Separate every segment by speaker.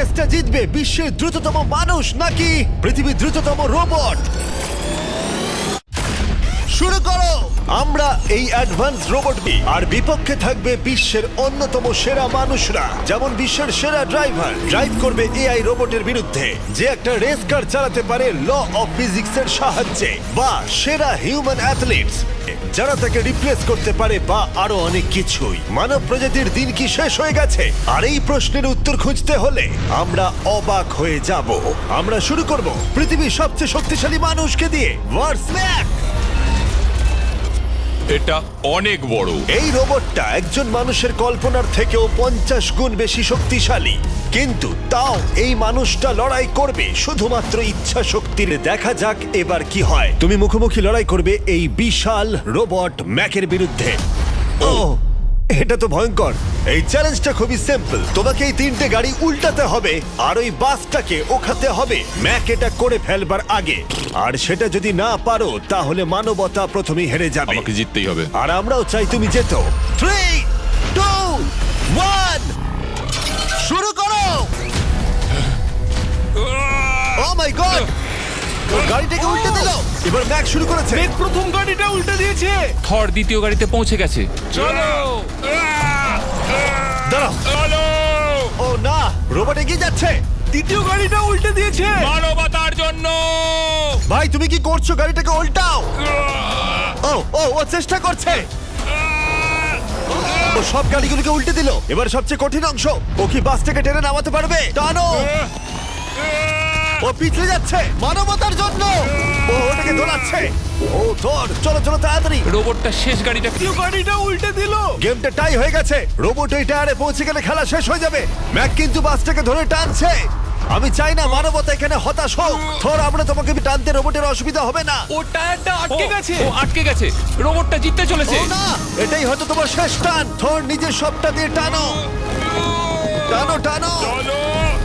Speaker 1: রেসটা জিতবে বিশ্বের দ্রুততম মানুষ নাকি পৃথিবীর দ্রুততম রোবট? শুরু করো। আমরা এই অ্যাডভান্স রোবটকে, আর বিপক্ষে থাকবে বিশ্বের অন্যতম সেরা মানুষরা, যেমন বিশ্বের সেরা ড্রাইভার ড্রাইভ করবে এআই রোবটের বিরুদ্ধে, যে একটা রেস কার চালাতে পারে ল অফ ফিজিক্সের সাহায্যে, বা সেরা হিউম্যান অ্যাথলিটস যারা তাকে রিপ্লেস করতে পারে, বা আরো অনেক কিছুই। মানব প্রজাতির দিন কি শেষ হয়ে গেছে? আর এই প্রশ্নের উত্তর খুঁজতে হলে আমরা অবাক হয়ে যাব। আমরা শুরু করব পৃথিবীর সবচেয়ে শক্তিশালী মানুষকে দিয়ে। ওয়ার্সম্যাক!
Speaker 2: এটা অনেক বড়।
Speaker 1: এই রোবটটা একজন মানুষের কল্পনার থেকেও 50 গুণ বেশি শক্তিশালী, কিন্তু তাও এই মানুষটা লড়াই করবে শুধুমাত্র ইচ্ছা শক্তির। দেখা যাক এবার কি হয়। তুমি মুখোমুখি লড়াই করবে এই বিশাল রোবট ম্যাকের বিরুদ্ধে। ও, এটা তো ভয়ঙ্কর। এই চ্যালেঞ্জটা খুবই সিম্পল। তোমাকে এই 3টে গাড়ি উল্টাতে হবে আর ওই বাসটাকে ওখাতে হবে ম্যাক এটা করে ফেলবার আগে। আর সেটা যদি না পারো তাহলে মানবতা প্রথমেই হেরে যাবে।
Speaker 2: আমাকে জিততেই হবে।
Speaker 1: আর আমরাও চাই তুমি যেতো। 3, 2, 1 শুরু করো। ও মাই গড, ওর গাড়িটাকে উল্টে দিল। এবার ম্যাক শুরু করেছে।
Speaker 3: প্রথম গাড়িটা উল্টে দিয়েছে।
Speaker 2: থর দ্বিতীয় গাড়িতে পৌঁছে গেছে। চলো
Speaker 1: দাঁড়াও।
Speaker 2: চলো।
Speaker 1: ও না, রোবট এগিয়ে যাচ্ছে।
Speaker 3: দ্বিতীয় গাড়িটা উল্টে দিয়েছে।
Speaker 2: মানবতার জন্য।
Speaker 1: ভাই তুমি কি করছো? গাড়িটাকে উল্টাও। ও ও ও চেষ্টা করছে। ও সব গাড়িগুলোকে উল্টে দিল। এবার সবচেয়ে কঠিন অংশ, ও কি বাসটাকে টেনে নামাতে পারবে? টানো। ও পিছলে যাচ্ছে মানবতার জন্য। ও ওটাকে দোলাচ্ছে। ও ধর, চলো চলো তাড়াতাড়ি।
Speaker 2: রোবটটা শেষ গাড়িটা
Speaker 3: দ্বিতীয় গাড়িটা উল্টে দিল।
Speaker 1: গেমটা টাই হয়ে গেছে। রোবট এই টায়ারে পৌঁছে গেলে খেলা শেষ হয়ে যাবে। ম্যাক কিন্তু বাসটাকে ধরে টানছে। আমি চাই না মানবতা এখানে হতাশ হোক। থর, আমরা তোমাকে টানতে রোবটের অসুবিধা হবে না।
Speaker 3: ও টায়ারটা আটকে গেছে।
Speaker 2: ও আটকে গেছে। রোবটটা জিততে চলেছে।
Speaker 1: ও না, এটাই হয়তো তোমার শেষ টান। থর, নিজের সবটা দিয়ে টানো। টানো টানো।
Speaker 2: চলো।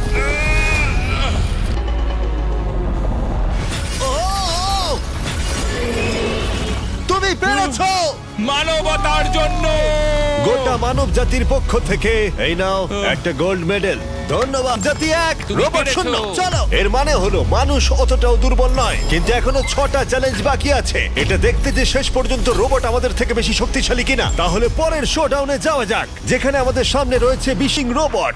Speaker 1: ও, ও। তুমি পেরেছো।
Speaker 2: মানবতার জন্য।
Speaker 1: গোটা মানব জাতির পক্ষ থেকে এই নাও একটা গোল্ড মেডেল। ধন্যবাদ। জাতি 1,
Speaker 2: তুমি
Speaker 1: রোবট
Speaker 2: পেরেছো।
Speaker 1: 0। চলো। এর মানে হলো মানুষ অতটাও দুর্বল নয়, কিন্তু এখনো 6টা চ্যালেঞ্জ বাকি আছে। এটা দেখতে যে শেষ পর্যন্ত রোবট আমাদের থেকে বেশি শক্তিশালী কিনা। তাহলে পরের শোডাউনে যাওয়া যাক, যেখানে আমাদের সামনে রয়েছে বিশিং রোবট।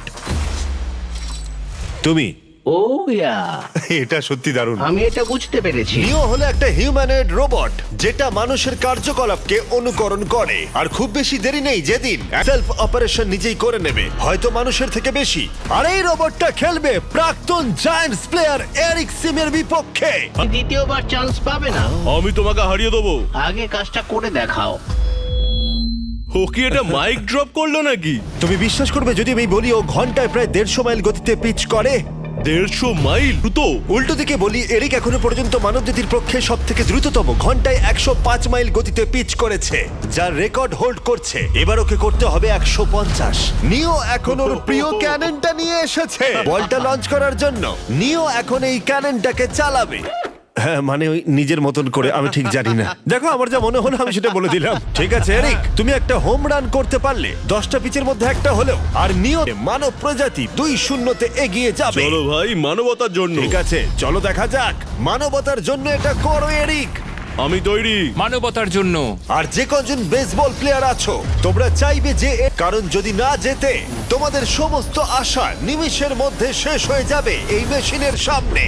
Speaker 1: তুমি
Speaker 4: ও ইয়া,
Speaker 1: এটা সত্যি দারুণ।
Speaker 4: আমি এটা বুঝতে পেরেছি।
Speaker 1: নিও হলো একটা হিউম্যানয়েড রোবট যেটা মানুষের কার্যকলাপকে অনুকরণ করে। আর খুব বেশি দেরি নেই, যেদিন সেলফ অপারেশন নিজেই করে নেবে, হয়তো মানুষের থেকে বেশি। আর এই রোবটটা খেলবে প্রাক্তন জায়ান্টস প্লেয়ার এরিক সিমের বিপক্ষে।
Speaker 4: দ্বিতীয়বার চান্স পাবে না।
Speaker 3: আমি তোমাকে হারিয়ে দেবো।
Speaker 4: আগে কাজটা করে দেখাও।
Speaker 3: ও কি এটা মাইক ড্রপ করলো নাকি?
Speaker 1: তুমি বিশ্বাস করবে যদি আমি বলি ও ঘন্টায় প্রায় 150 মাইল গতিতে পিচ করে?
Speaker 3: 150 মাইল দ্রুত?
Speaker 1: উল্টো দিকে বলি, এরিক এখনো পর্যন্ত মানবজাতির পক্ষে সব থেকে দ্রুততম ঘন্টায় 105 মাইল গতিতে পিচ করেছে, যার রেকর্ড হোল্ড করছে। এবার ওকে করতে হবে 150। নিও এখন ওর প্রিয় ক্যাননটা নিয়ে এসেছে বলটা লঞ্চ করার জন্য। নিও এখন এই ক্যাননটাকে চালাবে। হ্যাঁ, মানে ওই নিজের মতন করে, আমি ঠিক জানি না। দেখো, আমার যা মনে হলো আমি সেটা বলে দিলাম। ঠিক আছে এরিক, তুমি একটা হোম রান করতে পারলে 10টা পিচের মধ্যে একটা হলেও, আর নিও মানব প্রজাতি 2-0 এগিয়ে যাবে।
Speaker 3: চলো ভাই, মানবতার জন্য।
Speaker 1: ঠিক আছে, চলো দেখা যাক। মানবতার জন্য এটা করো এরিক।
Speaker 3: আমি তৈরি।
Speaker 2: মানবতার জন্য।
Speaker 1: আর যে কজন বেসবল প্লেয়ার আছো, তোমরা চাইবে যে কারণ যদি না জেতে তোমাদের সমস্ত আশা নিমিষের মধ্যে শেষ হয়ে যাবে এই মেশিনের সামনে।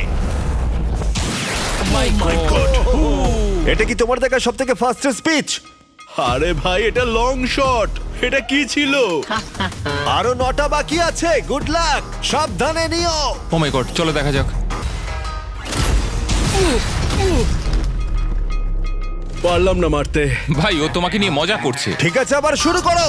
Speaker 2: My God.
Speaker 1: এটা কি তোমার দেখা সব থেকে ফাস্টেস্ট স্পিচ?
Speaker 3: আরে ভাই, এটা লং শট। এটা কি ছিল?
Speaker 1: আরো 9টা বাকি আছে। গুড লাক, সাবধানে নিও।
Speaker 2: ও মাই গড, চলো দেখা যাক।
Speaker 3: পারলাম না মারতে।
Speaker 2: ভাই, ও তোমাকে নিয়ে মজা করছে।
Speaker 1: ঠিক আছে, আবার শুরু করো।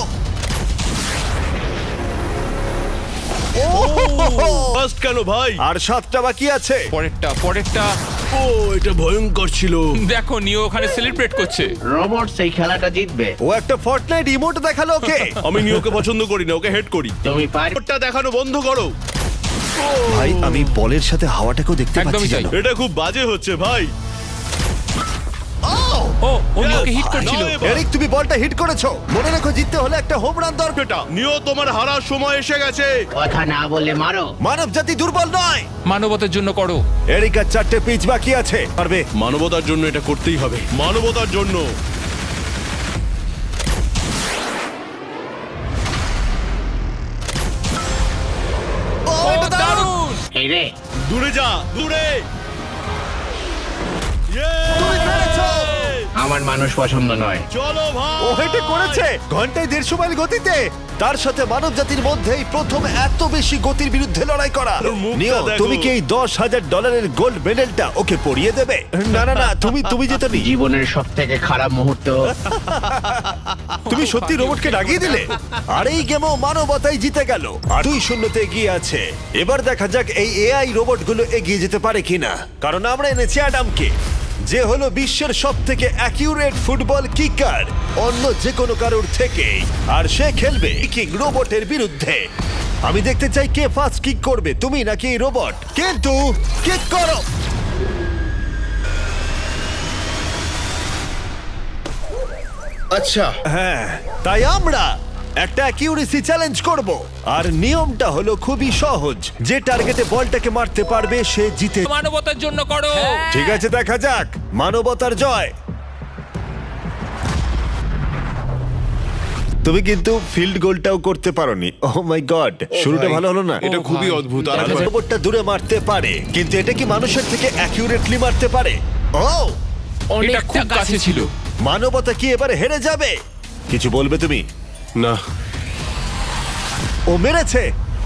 Speaker 3: ফার্স্ট কেন ভাই?
Speaker 1: আর 7টা বাকি আছে।
Speaker 2: পরেরটা।
Speaker 3: ও, এটা ভয়ঙ্কর ছিল।
Speaker 2: দেখো, নিও ওখানে সেলিব্রেট করছে।
Speaker 4: রোবট সেই খেলাটা জিতবে।
Speaker 1: ও একটা ফর্টনাইট ইমোট দেখালো ওকে।
Speaker 3: আমি নিয়োকে পছন্দ করি না, ওকে হেড করি।
Speaker 4: তুমি পারবে।
Speaker 3: ওটা দেখানো বন্ধ করো।
Speaker 1: ভাই, আমি বলের সাথে হাওয়াটাকেও দেখতে
Speaker 2: একদমই
Speaker 1: পাচ্ছি
Speaker 2: তাই।
Speaker 1: জানো।
Speaker 3: এটা খুব বাজে হচ্ছে ভাই।
Speaker 2: ও নিওকে হিট করছিল।
Speaker 3: নাও এবার।
Speaker 1: এরিক, তুমি বলটা হিট করেছো। মনে রেখো, জিততে হলে একটা হোম রান দরকার।
Speaker 3: এটা নিও, তোমার হারার সময় এসে গেছে।
Speaker 4: কথা না বলে মারো।
Speaker 1: মানব জাতি দুর্বল নয়।
Speaker 2: মানবতার জন্য করো।
Speaker 1: এরিক আর 4টে পিচ বাকি আছে, পারবে।
Speaker 3: মানবতার জন্য এটা করতেই হবে, মানবতার জন্য।
Speaker 1: ও,
Speaker 2: ও
Speaker 1: এটা দারুণ।
Speaker 2: দারুণ!
Speaker 4: এই রে,
Speaker 3: দূরে যা, দূরে।
Speaker 1: তুমি পেরেছো।
Speaker 4: আমার মানুষ পছন্দ নয়।
Speaker 3: চলো ভাই।
Speaker 1: ও এটা করেছে ঘন্টায় 150 মাইল গতিতে। তার সাথে মানব জাতির মধ্যেই প্রথম এত বেশি গতির বিরুদ্ধে লড়াই করা।
Speaker 3: ওর মুখটা
Speaker 1: নিও,
Speaker 3: দেখো।
Speaker 1: তুমি কি এই $10,000 গোল্ড মেডেলটা ওকে পরিয়ে দেবে? না না না, তুমি যেতে নি।
Speaker 4: জীবনের সব থেকে খারাপ মুহূর্ত।
Speaker 1: তুমি সত্যি রোবটকে রাগিয়ে দিলে। আর এই গেমও মানবতাই জিতে গেল, আর 2-0 এগিয়ে আছে। এবার দেখা যাক এই এআই রোবটগুলো এগিয়ে যেতে পারে কিনা, কারণ আমরা এনেছি অ্যাডামকে, যে হলো বিশ্বের সব থেকে অ্যাকিউরেট ফুটবল কিকার অন্য যে কোনো কারোর থেকে। আর সে খেলবে কিক রোবটের বিরুদ্ধে। আমি দেখতে চাই কে ফার্স্ট কিক করবে, তুমি নাকি এই রোবট। কিন্তু কিক করো।
Speaker 3: আচ্ছা,
Speaker 1: হ্যাঁ, তাই আমরা একটা অ্যাকিউরেসি চ্যালেঞ্জ করব। আর নিয়মটা হলো খুবই সহজ, যে টার্গেটে বলটাকে মারতে পারবে সে জিতে।
Speaker 2: মানবতার জন্য করো।
Speaker 1: ঠিক আছে, দেখা যাক মানবতার জয়। তুমি কিন্তু ফিল্ড গোলটাও করতে পারোনি। ও মাই গড, শুরুটা ভালো হলো না।
Speaker 3: এটা
Speaker 2: ও
Speaker 3: খুবই
Speaker 2: ভাই।
Speaker 3: অদ্ভুত। আর
Speaker 1: তাহলে রোবটটা দূরে মারতে পারে, কিন্তু এটা কি মানুষের থেকে অ্যাকিউরেটলি মারতে পারে? ও,
Speaker 2: এটা খুব কাছে ছিল।
Speaker 1: মানবতা কি এবারে হেরে যাবে? কিছু বলবে তুমি?
Speaker 3: না,
Speaker 1: ও মেরেছে।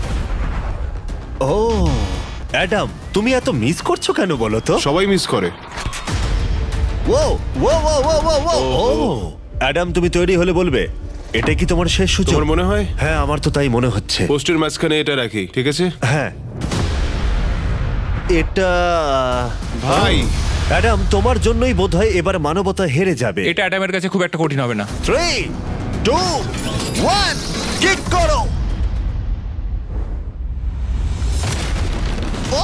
Speaker 1: ও অ্যাডাম, তুমি এত মিস করছো কেন বলো তো?
Speaker 3: সবাই মিস করে।
Speaker 1: ও ও ও ও ও ও ও অ্যাডাম, তুমি তৈরি হলে বলবে। এটা কি তোমার শেষ সূচক?
Speaker 3: তোমার মনে হয়?
Speaker 1: হ্যাঁ, আমার তো তাই মনে হচ্ছে।
Speaker 3: পোস্টের মাঝখানে এটা রাখি, ঠিক আছে?
Speaker 1: হ্যাঁ, এটা
Speaker 3: ভাই,
Speaker 1: অ্যাডাম, তোমার জন্যই বোধহয় এবার মানবতা হেরে যাবে।
Speaker 2: এটা অ্যাডামের কাছে খুব একটা কঠিন হবে না।
Speaker 1: 3, 2, 1, কিক করো। ও,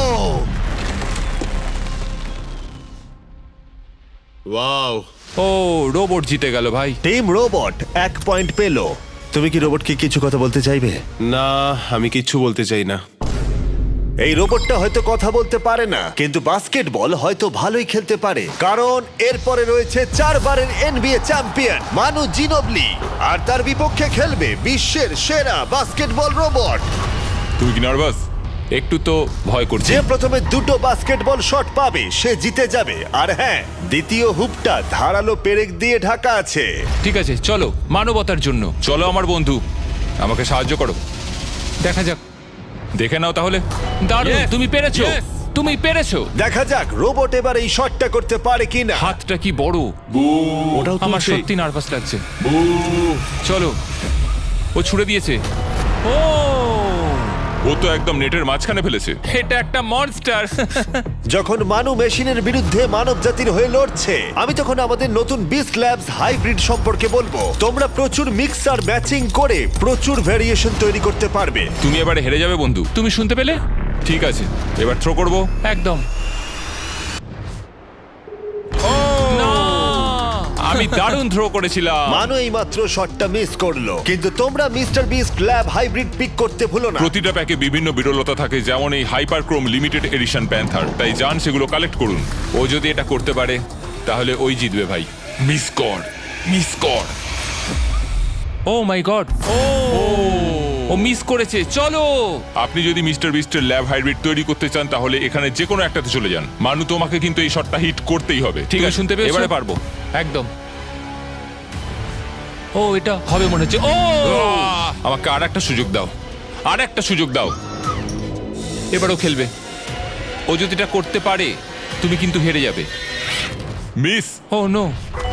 Speaker 3: ওয়াও।
Speaker 2: ও রোবট জিতে গেল ভাই।
Speaker 1: টিম রোবট 1 পয়েন্ট পেল। তুমি কি রোবটকে কিছু কথা বলতে চাইবে?
Speaker 3: না, আমি কিচ্ছু বলতে চাই না।
Speaker 1: এই রোবটটা হয়তো কথা বলতে পারে না, কিন্তু বাস্কেটবল হয়তো ভালোই খেলতে পারে, কারণ এরপরে রয়েছে 4 বারের NBA চ্যাম্পিয়ন মানু জিনোবলি, আর তার বিপক্ষে খেলবে বিশ্বের সেরা বাস্কেটবল রোবট।
Speaker 2: তুই কি নার্ভাস? একটু তো ভয় করছে।
Speaker 1: যে প্রথমে 2টো বাস্কেটবল শট পাবে সে জিতে যাবে। আর হ্যাঁ, দ্বিতীয় হুপটা ধারালো পেরেক দিয়ে ঢাকা আছে।
Speaker 2: ঠিক আছে, চলো মানবতার জন্য। চলো আমার বন্ধু, আমাকে সাহায্য করো। দেখা যাক, দেখে নাও তাহলে। দারুণ, তুমি পেরেছো, তুমি পেরেছো।
Speaker 1: দেখা যাক রোবট এবার এই শটটা করতে পারে কিনা।
Speaker 2: হাতটা কি বড়!
Speaker 3: ওটাও
Speaker 2: আমার
Speaker 3: তুলছে।
Speaker 2: সত্যি নার্ভাস লাগছে। চলো, ও ছুড়ে দিয়েছে। ও তো একদম নেটের মাঝখানে ফেলেছে। এটা একটা মনস্টার।
Speaker 1: যখন মানু মেশিনের বিরুদ্ধে মানব জাতির হয়ে লড়ছে, আমি তখন আমাদের নতুন বিস্ট ল্যাবস হাইব্রিড সম্পর্কে বলবো। তোমরা প্রচুর মিক্সার ম্যাচিং করে প্রচুর ভেরিয়েশন তৈরি করতে পারবে।
Speaker 2: তুমি এবারে হেরে যাবে বন্ধু, তুমি শুনতে পেলে? ঠিক আছে, এবার থ্রো করবো একদম। না! আমি দারুণ থ্রো করেছিলাম।
Speaker 1: মানু এই মাত্র শটটা মিস করলো, কিন্তু তোমরা Mister Beast lab hybrid pick করতে ভুলো না।
Speaker 2: প্রতিটা প্যাকে বিভিন্ন বিরলতা থাকে, যেমন এই হাইপারক্রোম লিমিটেড এডিশন প্যান্থার। তাই যান সেগুলো কালেক্ট করুন। ও যদি এটা করতে পারে তাহলে ওই জিতবে ভাই। মিস কর, মিস কর। ও মাই গড, ও মিস করেছে। চলো, আপনি যদি মিস্টার বিস্টের ল্যাব হাইব্রিড তৈরি করতে চান তাহলে এখানে যে কোনো একটাতে চলে যান। মানু, তোমাকে কিন্তু এই শটটা হিট করতেই হবে। ঠিক আছে, শুনতে পেয়েছো? এবারে পারবো একদম। ও এটা হবে মনে হচ্ছে। ও আমাকে আর একটা সুযোগ দাও, আর একটা সুযোগ দাও। এবারও খেলবে। ও যদি এটা করতে পারে তুমি কিন্তু হেরে যাবে। মিস। ও নো,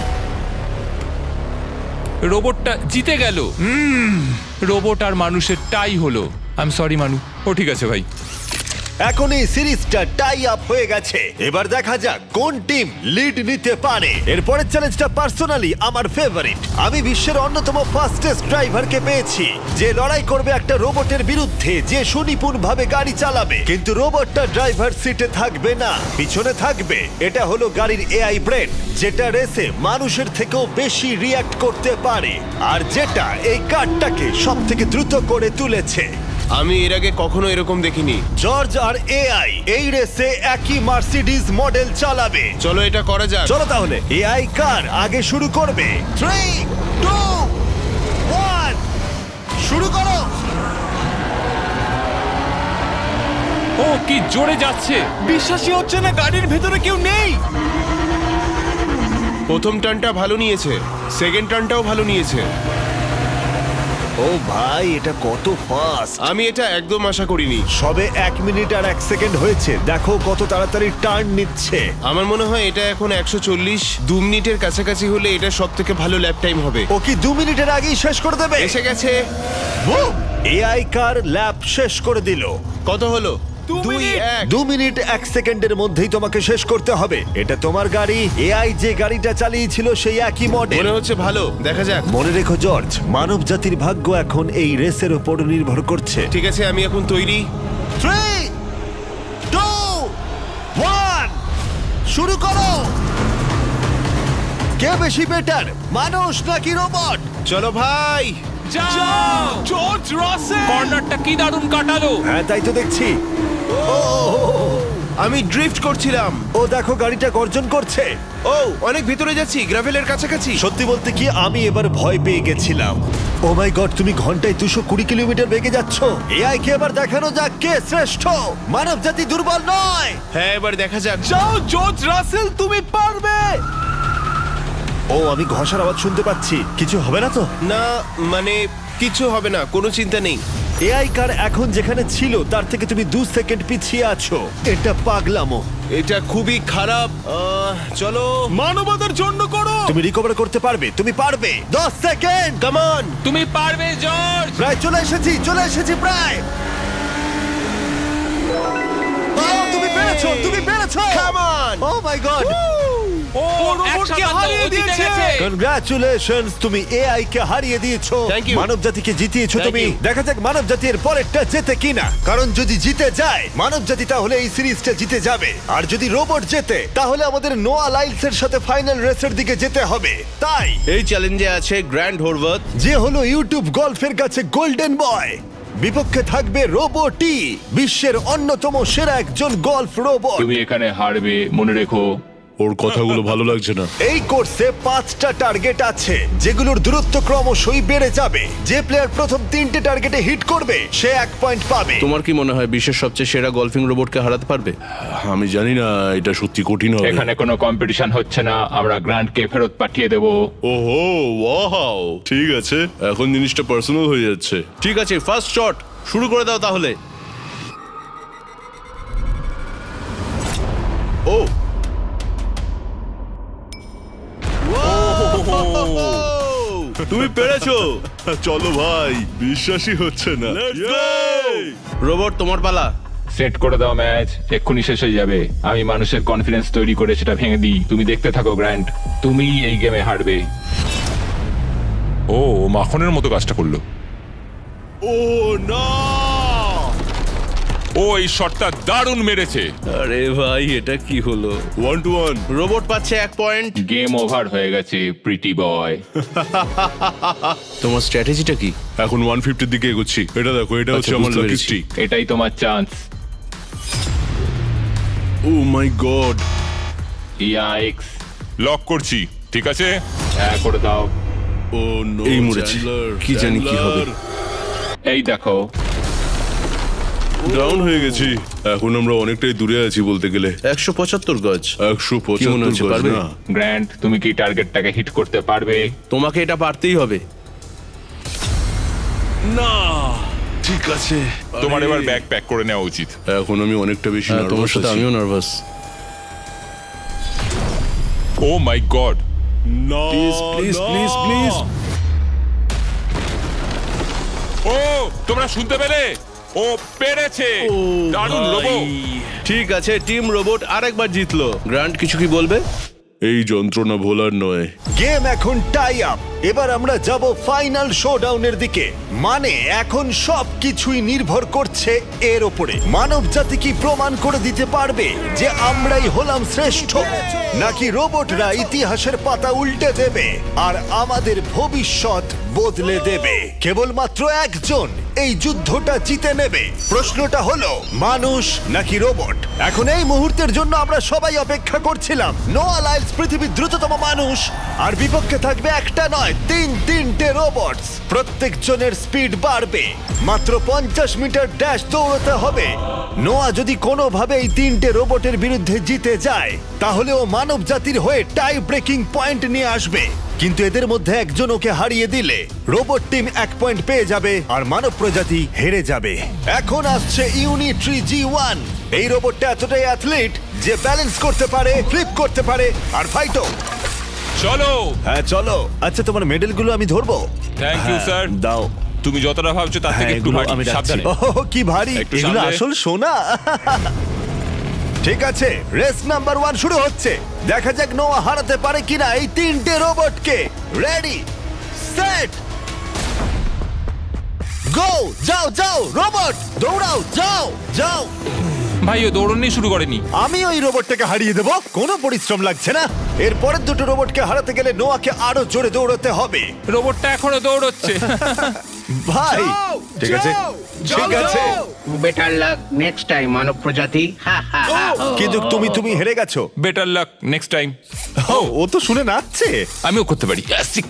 Speaker 2: রোবটটা জিতে গেল। রোবট আর মানুষের টাই হলো। আই এম সরি মানু। ও ঠিক আছে ভাই।
Speaker 1: এখন এই সিরিজটা টাই আপ হয়ে গেছে। এবার দেখা যাক কোন টিম লিড নিতে পারে। এরপরের চ্যালেঞ্জটা পার্সোনালি আমার ফেভারিট। আমি বিশ্বের অন্যতম ফাস্টেস্ট ড্রাইভারকে পেয়েছি, যে লড়াই করবে একটা রোবটের বিরুদ্ধে যে সুনিপুণভাবে গাড়ি চালাবে। কিন্তু রোবটটা ড্রাইভার সিটে থাকবে না, পিছনে থাকবে। এটা হলো গাড়ির এআই ব্রেন, যেটা রেসে মানুষের থেকেও বেশি রিয়্যাক্ট করতে পারে, আর যেটা এই কারটাকে সব থেকে দ্রুত করে তুলেছে।
Speaker 5: আমি এর আগে কখনো এরকম দেখিনি।
Speaker 1: জর্জ আর এআই এই রেসে একই মার্সিডিজ মডেল চালাবে।
Speaker 5: চলো এটা করা যাক।
Speaker 1: চলো তাহলে এআই কার আগে শুরু করবে। 3, 2, 1 শুরু করো।
Speaker 2: ও কি জোরে যাচ্ছে!
Speaker 3: বিশ্বাসই হচ্ছে না গাড়ির ভেতরে কেউ নেই।
Speaker 5: প্রথম টার্নটা ভালো নিয়েছে, সেকেন্ড টার্নটাও ভালো নিয়েছে।
Speaker 1: ও ভাই, এটা কত ফাস্ট!
Speaker 5: আমি এটা একদম আশা করিনি।
Speaker 1: সবে 1 মিনিট আর 1 সেকেন্ড হয়েছে, দেখো কত তাড়াতাড়ি টার্ন নিচ্ছে।
Speaker 5: আমার মনে হয় এটা এখন 140, 2 মিনিটের কাছাকাছি হলে এটা সব থেকে ভালো ল্যাপ টাইম হবে।
Speaker 1: ও কি 2 মিনিটের আগেই শেষ করে দেবে?
Speaker 5: এসে গেছে।
Speaker 1: এআই কার ল্যাপ শেষ করে দিল।
Speaker 5: কত হলো?
Speaker 3: 2
Speaker 5: 1।
Speaker 1: 2 মিনিট 1 সেকেন্ডের মধ্যেই তোমাকে শেষ করতে হবে। এটা তোমার গাড়ি, এআই যে গাড়িটা চালিয়েছিল সেই একই মডেল।
Speaker 5: মনে হচ্ছে ভালো, দেখা যাক।
Speaker 1: মনে রেখো জর্জ, মানব জাতির ভাগ্য এখন এই রেসের উপর নির্ভর করছে।
Speaker 5: ঠিক আছে, আমি এখন তৈরি।
Speaker 1: 3, 2, 1 শুরু করো। কে বেশি বেটার, মানুষ নাকি রোবট?
Speaker 5: চলো ভাই।
Speaker 2: যাও!
Speaker 3: জর্জ রাসেল!
Speaker 2: কর্নারটা কি দারুণ কাটালো!
Speaker 1: হ্যাঁ, তাই তো দেখছি।
Speaker 5: আমি ড্রিফট করছিলাম।
Speaker 1: ও দেখো, গাড়িটা গর্জন করছে।
Speaker 5: ও অনেক ভিতরে যাচ্ছি, গ্রাভেলের কাছাকাছি।
Speaker 1: সত্যি বলতে কি, আমি এবার ভয় পেয়ে গেছিলাম। ও মাই গড, তুমি ঘন্টায় 220 কিলোমিটার বেগে যাচ্ছ। এআই কে এবার দেখানো যাক কে শ্রেষ্ঠ। মানব জাতি দুর্বল নয়।
Speaker 5: হ্যাঁ, এবার দেখা যাক।
Speaker 3: যাও জর্জ রাসেল, তুমি পারবে।
Speaker 1: ও, আমি ঘষার আওয়াজ শুনতে পাচ্ছি। কিছু হবে না তো?
Speaker 5: না, মানে কিছু হবে না, কোনো চিন্তা নেই।
Speaker 1: এআই কার এখন যেখানে ছিল তার থেকে তুমি 2 সেকেন্ড পিছিয়ে আছো। এটা পাগলামো।
Speaker 5: এটা খুবই খারাপ। চলো।
Speaker 3: মানবতার জন্য করো।
Speaker 1: তুমি রিকভার করতে পারবে, তুমি পারবে। 10 সেকেন্ড,
Speaker 5: কাম অন।
Speaker 2: তুমি পারবে জর্জ!
Speaker 1: প্রায় চলে এসেছি প্রায়। ও, তুমি পেরেছো, তুমি পেরেছো।
Speaker 5: Come on.
Speaker 1: O my god,
Speaker 2: ও
Speaker 3: রোবটকে হারিয়ে দিয়েছে।
Speaker 1: কনগ্রাচুলেশনস, তুমি এআই কে হারিয়ে দিয়েছো।
Speaker 5: Thank you.
Speaker 1: মানব জাতিকে জিতিয়েছো
Speaker 5: Thank
Speaker 1: তুমি।
Speaker 5: you.
Speaker 1: দেখা যাক মানব জাতির পরেরটা জেতে কিনা। কারণ যদি জিতে যায় মানব জাতি, তাহলে এই সিরিজটা জিতে যাবে। আর যদি রোবট জেতে, তাহলে আমাদের নোয়া লাইলসের সাথে ফাইনাল রেসের দিকে যেতে হবে। তাই
Speaker 3: এই চ্যালেঞ্জে আছে গ্র্যান্ড হোরভাত।
Speaker 1: যে হলো ইউটিউব গল্ফের কাছে গোল্ডেন বয়, বিপক্ষে থাকবে রোবটই, বিশ্বের অন্যতম সেরা একজন গল্ফ রোবট।
Speaker 2: তুমি এখানে হারবে, মনে রেখো।
Speaker 3: ওর কথাগুলো ভালো লাগছে না।
Speaker 1: এই কোর্সে 5টা টার্গেট আছে, যেগুলোর দূরত্ব ক্রমশই বেড়ে যাবে। যে প্লেয়ার প্রথম 3টে টার্গেটে হিট করবে সে 1 পয়েন্ট পাবে।
Speaker 3: তোমার কি মনে হয় বিশ্বের সবচেয়ে সেরা গলফিং রোবটকে হারাতে পারবে?
Speaker 6: আমি জানি না, এটা সত্যি কঠিন হবে।
Speaker 2: এখানে কোনো কম্পিটিশন হচ্ছে না, আমরা গ্র্যান্ডকে ফেরত পাঠিয়ে দেবো।
Speaker 6: ওহো, ওয়াও, ঠিক আছে, এখন জিনিসটা পার্সোনাল হয়ে যাচ্ছে।
Speaker 3: ঠিক আছে, ফার্স্ট শট শুরু করে দাও তাহলে। ও তুমি পেরেছো।
Speaker 6: চলো ভাই, বিশ্বাসই হচ্ছে না।
Speaker 3: রোবট, তোমার পালা।
Speaker 2: সেট করে দাও ম্যাচ, এক্ষুনি শেষ হয়ে যাবে। আমি মানুষের কনফিডেন্স তৈরি করে সেটা ভেঙে দিই। তুমি দেখতে থাকো গ্র্যান্ড, তুমি এই গেমে হারবে। ও মাখনের মতো কাজটা করলো।
Speaker 6: ও না!
Speaker 2: ও এই শটটা দারুণ মেরেছে।
Speaker 3: আরে ভাই, এটা কি হলো?
Speaker 6: 1-1।
Speaker 3: রোবট পাচ্ছে 1 পয়েন্ট।
Speaker 2: গেম ওভার হয়ে গেছে প্রিটি বয়।
Speaker 3: তোমার স্ট্র্যাটেজিটা কি?
Speaker 6: এখন 150-র দিকে এগোচ্ছি। এটা দেখো, এটা হচ্ছে আমার
Speaker 3: বুঝতে
Speaker 6: লাকি
Speaker 3: পেরেছি।
Speaker 6: স্ট্রিক।
Speaker 2: এটাই তোমার chance.
Speaker 6: Oh my God!
Speaker 2: Yikes, lock করছি। ঠিক আছে, হ্যাঁ করে দাও।
Speaker 6: Oh no!
Speaker 3: এই মরেছি। কি জানি কি হবে।
Speaker 2: এই দেখো,
Speaker 6: ডাউন হয়ে গেছি। এখন আমরা অনেকটাই দূরে আছি বলতে গেলে।
Speaker 3: 175 গজ।
Speaker 6: 175
Speaker 3: কি মনে হচ্ছে,
Speaker 6: গজ
Speaker 3: পারবে?
Speaker 6: না।
Speaker 2: গ্র্যান্ড তুমি কি টার্গেটটাকে হিট করতে পারবে?
Speaker 3: তোমাকে এটা পারতেই হবে।
Speaker 6: না, ঠিক আছে।
Speaker 2: তোমার
Speaker 6: আরে,
Speaker 2: এবার ব্যাগ প্যাক করে নেওয়া উচিত।
Speaker 6: এখন আমি অনেকটা বেশি
Speaker 3: হ্যাঁ, তোমার
Speaker 6: নার্ভাস
Speaker 3: সাথে
Speaker 6: আছি।
Speaker 3: আমিও নার্ভাস।
Speaker 2: Oh my God!
Speaker 6: না,
Speaker 3: প্লিজ
Speaker 6: না।
Speaker 3: Please please.
Speaker 2: ও তোমরা শুনতে পেলে? ও পেরেছে দারুণ
Speaker 3: ভাই।
Speaker 2: লোবো
Speaker 3: ঠিক আছে, টিম রোবট আরেকবার জিতলো। গ্রান্ট কিছু কি বলবে?
Speaker 6: এই যন্ত্রণা ভোলার নয়।
Speaker 1: গেম এখন টাই আপ। এবার আমরা যাব ফাইনাল শোডাউনের দিকে। মানে এখন সবকিছুই নির্ভর করছে এর ওপরে। মানব জাতি কি প্রমাণ করে দিতে পারবে যে আমরাই হলাম শ্রেষ্ঠ, নাকি রোবটরা ইতিহাসের পাতা উল্টে দেবে আর আমাদের ভবিষ্যৎ বদলে দেবে? কেবলমাত্র একজন এই যুদ্ধটা জিতে নেবে। প্রশ্নটা হলো মানুষ নাকি রোবট? এখন এই মুহূর্তের জন্য আমরা সবাই অপেক্ষা করছিলাম। নোয়া লাইলস পৃথিবীর দ্রুততম মানুষ, আর বিপক্ষে থাকবে একটা নয় তিনটে রোবটস। প্রত্যেকজনের স্পিড বাড়বে। মাত্র 50 মিটার ড্যাশ দৌড়তে হবে। নোয়া যদি কোনোভাবে এই তিনটে রোবটের বিরুদ্ধে জিতে যায়, তাহলে ও মানব জাতির হয়ে টাই ব্রেকিং পয়েন্ট নিয়ে আসবে। কিন্তু এদের মধ্যে একজন ওকে হারিয়ে দিলে রোবট টিম 1 পয়েন্ট পেয়ে যাবে আর মানব প্রজাতি হেরে যাবে। এখন আসছে ইউনিট্রি G1। এই রোবটটা এতটাই অ্যাথলিট যে ব্যালেন্স করতে পারে, ফ্লিপ করতে পারে আর ফাইটও।
Speaker 2: চলো
Speaker 1: হ্যাঁ চলো। আচ্ছা, তোমার মেডেলগুলো আমি ধরবো?
Speaker 2: থ্যাংক ইউ স্যার
Speaker 1: দাও।
Speaker 2: তুমি যতটা ভাবছো তার থেকে একটু
Speaker 1: এগুলো
Speaker 2: ভারী।
Speaker 1: আমি রাখছি।
Speaker 2: সাবধানে
Speaker 1: ওহ, কি ভারী!
Speaker 2: একটু
Speaker 1: এগুলো
Speaker 2: সামলে।
Speaker 1: আসল সোনা। ঠিক আছে, রেস নাম্বার 1 শুরু হচ্ছে। দেখা যাক নোয়া হারাতে পারে কিনা এই তিনটে রোবটকে। Ready, set, go! যাও যাও রোবট, দৌড়াও, যাও যাও।
Speaker 2: ভাই ও দৌড়নি শুরু করেনি।
Speaker 1: আমি ওই রোবটটাকে হারিয়ে দেব, কোনো পরিশ্রম লাগছে না। এর পরের দুটো রোবটকে হারাতে গেলে নোয়াকে আরো জোরে দৌড়াতে হবে।
Speaker 2: রোবটটা এখনো দৌড়চ্ছে।
Speaker 1: ভাই ঠিক আছে, ঠিক আছে,
Speaker 4: বেটার লাক নেক্সট টাইম মানব প্রজাতি। হা, হা, হা, হা।
Speaker 1: কিন্তু তুমি হেরে গেছো।
Speaker 2: Better luck next time.
Speaker 1: ও তো শুনে নাচছে।
Speaker 2: আমিও করতে পারি।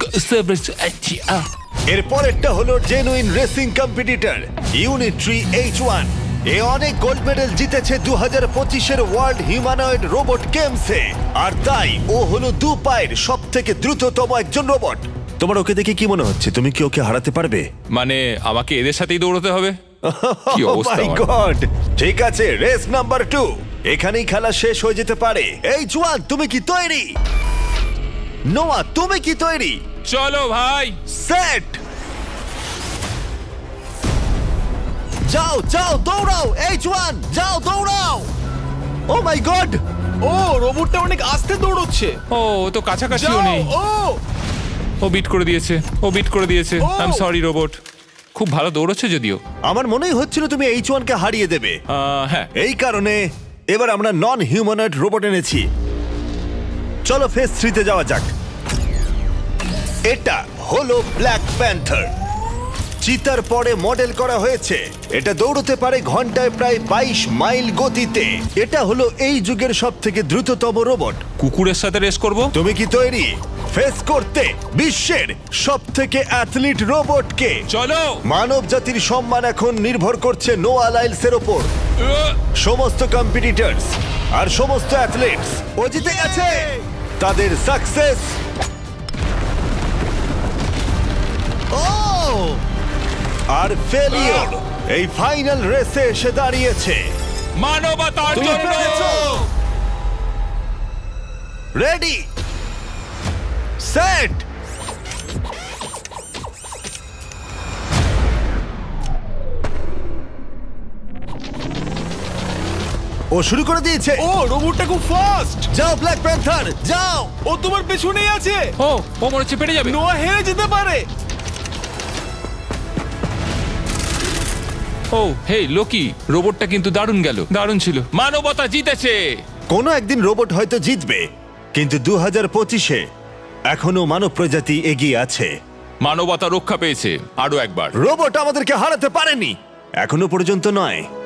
Speaker 1: এর পরেরটা হলো genuine racing competitor Unitree H1। এ অনেক গোল্ড মেডেল জিতেছে 2025-এর ওয়ার্ল্ড হিউম্যানয়েড রোবট গেমসে, আর তাই ও হলো 2 পায়ের সব থেকে দ্রুততম একজন রোবট। তোমার ওকে দেখে কি মনে হচ্ছে? তুমি কি ওকে হারাতে পারবে?
Speaker 2: মানে আমাকে এদের সাথেই দৌড়তে হবে? কি অবস্থা
Speaker 1: মাই
Speaker 2: আমার।
Speaker 1: গড! ঠিক আছে, রেস নাম্বার 2। এখানেই খেলা শেষ হয়ে যেতে পারে। H1, তুমি কি তৈরি? নোয়া, তুমি কি তৈরি?
Speaker 2: চলো ভাই।
Speaker 1: সেট, যাও যাও দৌড়াও। H1, যাও দৌড়াও। ও মাই গড!
Speaker 3: ও রোবটটা অনেক আস্তে দৌড়চ্ছে।
Speaker 2: ও তো কাছাকাছিও
Speaker 3: যাও,
Speaker 2: নেই। ও বিট করে দিয়েছে, ও বিট করে দিয়েছে। I am sorry robot. খুব ভালো দৌড়চ্ছে যদিও।
Speaker 1: আমার মনেই হচ্ছিল তুমি H1 কে হারিয়ে দেবে।
Speaker 2: হ্যাঁ।
Speaker 1: এই কারণে এবার আমরা নন হিউম্যানয়েড রোবট এনেছি। চলো ফেজ 3 তে যাওয়া যাক। এটা হলো ব্ল্যাক প্যান্থার। চিতার পরে মডেল করা হয়েছে। এটা দৌড়তে পারে ঘন্টায় প্রায় 22 মাইল গতিতে। এটা হলো এই যুগের সবথেকে দ্রুততম রোবট।
Speaker 2: কুকুরের সাথে রেস করব।
Speaker 1: তুমি কি তৈরি ফেস করতে বিশ্বের সবথেকে অ্যাথলিট রোবটকে?
Speaker 2: চলো।
Speaker 1: মানব জাতির সম্মান এখন নির্ভর করছে নোয়া লাইলসের ওপর। সমস্ত কম্পিটিটরস আর সমস্ত অ্যাথলিটস ও জিতে গেছে। তাদের সাকসেস আর ফেলিওর এই ফাইনাল রেসে এসে দাঁড়িয়েছে।
Speaker 2: মানবতার জন্য।
Speaker 1: রেডি, সেট, ও শুরু করে দিয়েছে।
Speaker 3: ও রোবটটা খুব ফাস্ট।
Speaker 1: যাও ব্ল্যাক প্যান্থার, যাও।
Speaker 3: ও তোমার পেছনেই আছে।
Speaker 2: ও মনে হচ্ছে পেরে যাবে।
Speaker 3: নোয়া হেরে যেতে পারে।
Speaker 2: ও হে লোকি, রোবটটা কিন্তু দারুণ গেল, দারুণ ছিল। মানবতা জিতেছে।
Speaker 1: কোনো একদিন রোবট হয়তো জিতবে, কিন্তু 2025-এ এখনো মানব প্রজাতি এগিয়ে আছে।
Speaker 2: মানবতা রক্ষা পেয়েছে আরো একবার।
Speaker 1: রোবট আমাদেরকে হারাতে পারেনি, এখনো পর্যন্ত নয়।